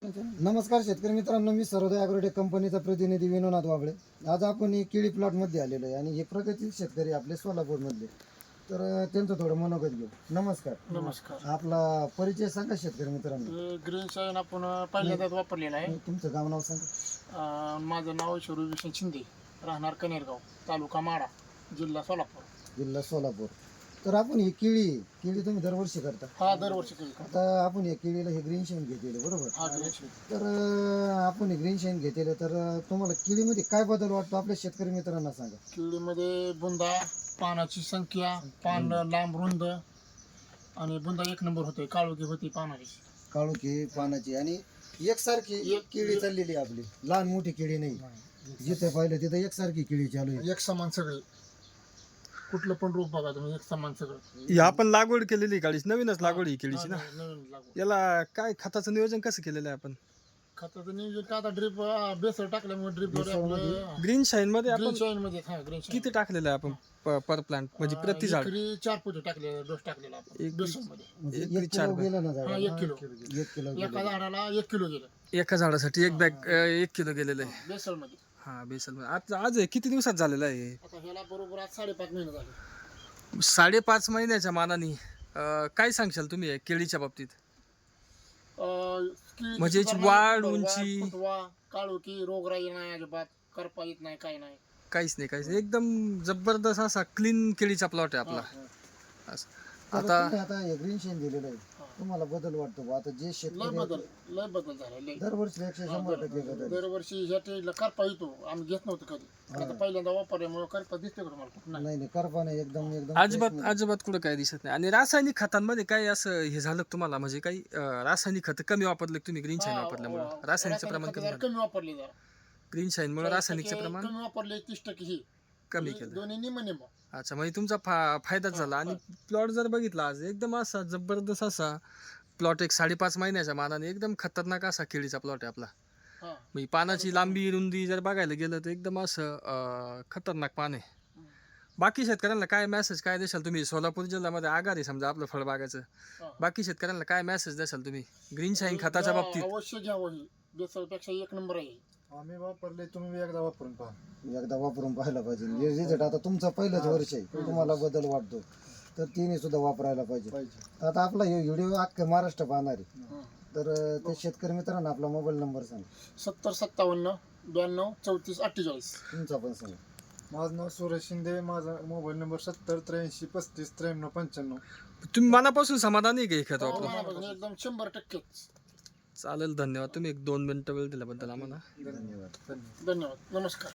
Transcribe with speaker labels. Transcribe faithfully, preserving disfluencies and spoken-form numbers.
Speaker 1: नमस्कार शेतकरी मित्रांनो, मी सर्वोदय ॲग्रोटेक कंपनीचा प्रतिनिधी विनोनाथ वाबळे. आज आपण ही केळी प्लॉटमध्ये आलेलो आहे आणि हे प्रगतील शेतकरी आपले सोलापूरमधले, तर अ, त्यांचं थोडं मनोगत घेऊ. नमस्कार.
Speaker 2: नमस्कार.
Speaker 1: आपला परिचय सांगा शेतकरी मित्रांनो.
Speaker 2: ग्रीन शाईन आपण पहिल्यांदाच वापरलेला आहे.
Speaker 1: तुमचं गाव नाव सांगा.
Speaker 2: अं, माझं नाव शरू विष्णू शिंदे, राहणार कनेरगाव, तालुका माडा, जिल्हा सोलापूर.
Speaker 1: जिल्हा सोलापूर. तर आपण ही केळी केळी तुम्ही दरवर्षी करता.
Speaker 2: हा दरवर्षी केली का?
Speaker 1: आता आपण या केळीला हे ग्रीन शाईन घेतलेलं बरोबर.
Speaker 2: हा ग्रीन शाईन.
Speaker 1: तर अ, आपण हे ग्रीन शाईन घेतलेलं, तर अ, तुम्हाला केळीमध्ये काय बदल वाटतो आपल्या शेतकरी मित्रांना सांगा.
Speaker 2: केळीमध्ये बुंदा, पानाची संख्या, पान लांब रुंद आणि बुंदा एक नंबर होते. काळोखी होती पानाची.
Speaker 1: काळोखी पानाची आणि एकसारखी
Speaker 2: एक-
Speaker 1: केळी चाललेली आहे आपली, लहान मोठी केळी नाही. जिथे पाहिलं तिथे एकसारखी केळी चालू आहे.
Speaker 2: एक समान सगळे, कुठलं पण रूप बघा तुम्ही, एक समान सगळं.
Speaker 3: ही आपण लागवड केलेली काळीच नवीनच लागवड ही केळीची ना.
Speaker 2: हा, नवीन लागू.
Speaker 3: याला काय खताचं नियोजन कसं केलेलं आहे आपण?
Speaker 2: खताचं नियोजन का आता ड्रीप बेसर टाकल्यामुळे ड्रीप
Speaker 1: बेसरमध्ये?
Speaker 3: ग्रीन शाईन मध्ये
Speaker 2: ग्रीन
Speaker 3: आपण
Speaker 2: शाईन मध्ये हा ग्रीन शाईन
Speaker 3: किती टाकलेलं आहे आपण पर प्लांट म्हणजे प्रति झाड?
Speaker 2: एकरी चार पोते टाकले, डोस टाकलेला आपण
Speaker 3: एक-
Speaker 2: बेसनमध्ये.
Speaker 1: म्हणजे
Speaker 3: एक
Speaker 1: एक
Speaker 3: चार
Speaker 1: किलो
Speaker 3: बॅग.
Speaker 1: गेलं ना
Speaker 2: हा
Speaker 1: झाडाला?
Speaker 2: एक किलो
Speaker 1: एक किलो
Speaker 2: एका
Speaker 1: गेलं.
Speaker 2: झाडाला एक किलो गेलं
Speaker 3: एका झाडासाठी एक बॅग एक किलो गेलेलं आहे.
Speaker 2: बेसनमध्ये.
Speaker 3: हा बेसल आज आज आहे. किती दिवसात झालेलं आहे?
Speaker 2: आता ह्याला बरोबर आज साडेपाच महिने झाले.
Speaker 3: साडेपाच महिन्याच्या मानाने अं, काय सांगशाल तुम्ही या केळीच्या बाबतीत?
Speaker 2: अं, की-
Speaker 3: म्हणजे याची
Speaker 2: सुधारणा,
Speaker 3: वाढ,
Speaker 2: वाढ,
Speaker 3: उंची?
Speaker 2: फुटवा, काळोखी, रोगराई नाही अजिबात, करपा येत नाही, काही नाही.
Speaker 3: काहीच नाही काहीच नाही. एकदम जबरदस्त असा क्लीन केळीचा प्लॉट आहे आपला. असं.
Speaker 1: तर
Speaker 3: आता
Speaker 1: तुम्ही आता हे ग्रीन शाईन दिलेलं आहे, तुम्हाला बदल वाटतो बा? आता जे
Speaker 2: लय
Speaker 1: शेतकरी
Speaker 2: बदल लय बदल झाला लय.
Speaker 1: दरवर्षी एकशे शंभर टक्के बदल.
Speaker 2: दरवर्षी ह्या टेजला करपा येतो, आम्ही घेत नव्हतो कधी. आता पहिल्यांदा वापरल्यामुळे करपा दिसते का तुम्हाला? कुठं नाही.
Speaker 1: नाही नाही, करपा नाही, एकदम एकदम
Speaker 3: अजिबात
Speaker 1: fresh
Speaker 3: अजिबात कुठं काय दिसत नाही. आणि रासायनिक खतांमध्ये काय असं हे झालं का तुम्हाला? म्हणजे काही अं, रासायनिक खत कमी वापरले का तुम्ही ग्रीन शाईन
Speaker 2: हा,
Speaker 3: वापरल्यामुळे?
Speaker 2: हा,
Speaker 3: रासायनिकचं प्रमाण
Speaker 2: रासायनिक
Speaker 3: कमी
Speaker 2: खतं
Speaker 3: झालं.
Speaker 2: कमी वापरली जरा.
Speaker 3: ग्रीन शाईनमुळे रासायनिकचं
Speaker 2: टक्के
Speaker 3: प्रमाण
Speaker 2: कमी वापरले, तीस टक्के ही
Speaker 3: कमी केलं.
Speaker 2: दोन्ही निम निम.
Speaker 3: अच्छा, म्हणजे तुमचा फा फायदाच झाला. आणि प्लॉट जर बघितला आज एकदम असा जबरदस्त असा प्लॉट, एक साडेपाच महिन्याच्या मानाने एकदम खतरनाक असा केळीचा प्लॉट आहे आपला.
Speaker 2: हा
Speaker 3: म्हणजे पानाची लांबी रुंदी जर बघायला गेलं तर एकदम असं अं, खतरनाक पान आहे. बाकी शेतकऱ्यांना काय मेसेज काय देशाल तुम्ही? सोलापूर जिल्ह्यामध्ये आगार आहे समजा आपलं फळबागाचं.
Speaker 2: हा.
Speaker 3: बाकी शेतकऱ्यांना काय मेसेज द्याल तुम्ही ग्रीन शाईन खताच्या
Speaker 2: घ्या,
Speaker 3: बाबतीत?
Speaker 2: अवश्य घ्यावं. ही बेसरपेक्षा एक नंबर आहे.
Speaker 4: आम्ही वापरले, तुम्ही एकदा वापरून पहा.
Speaker 1: एकदा वापरून पाहायला पाहिजे. हे रिझल्ट आता तुमचं पहिलंच वर्ष आहे, तुम्हाला बदल वाटतो, तर तिने सुद्धा वापरायला पाहिजे.
Speaker 4: पाहिजे.
Speaker 1: आता आपला हे व्हिडिओ अख्खा महाराष्ट्र पाहणार आहे,
Speaker 2: हं.
Speaker 1: तर अ, ते शेतकरी मित्रांना आपला मोबाईल नंबर सांगा.
Speaker 2: सत्तर सत्तावन्न ब्याण्णव चौतीस अठ्ठेचाळीस.
Speaker 1: तुमचा पण सांगा.
Speaker 4: माझं नाव सुरेश शिंदे, माझा मोबाईल नंबर सत्तर त्र्याऐंशी पस्तीस त्र्याण्णव पंच्याण्णव.
Speaker 3: तुम्ही मनापासून समाधानी आहे का हे खत वापरून?
Speaker 2: मनापासून एकदम शंभर टक्केच.
Speaker 3: चालेल, धन्यवाद. तुम्ही एक दोन मिनिटं वेळ दिल्याबद्दल आम्हाला.
Speaker 1: धन्यवाद.
Speaker 4: धन्यवाद.
Speaker 2: धन्यवाद. नमस्कार.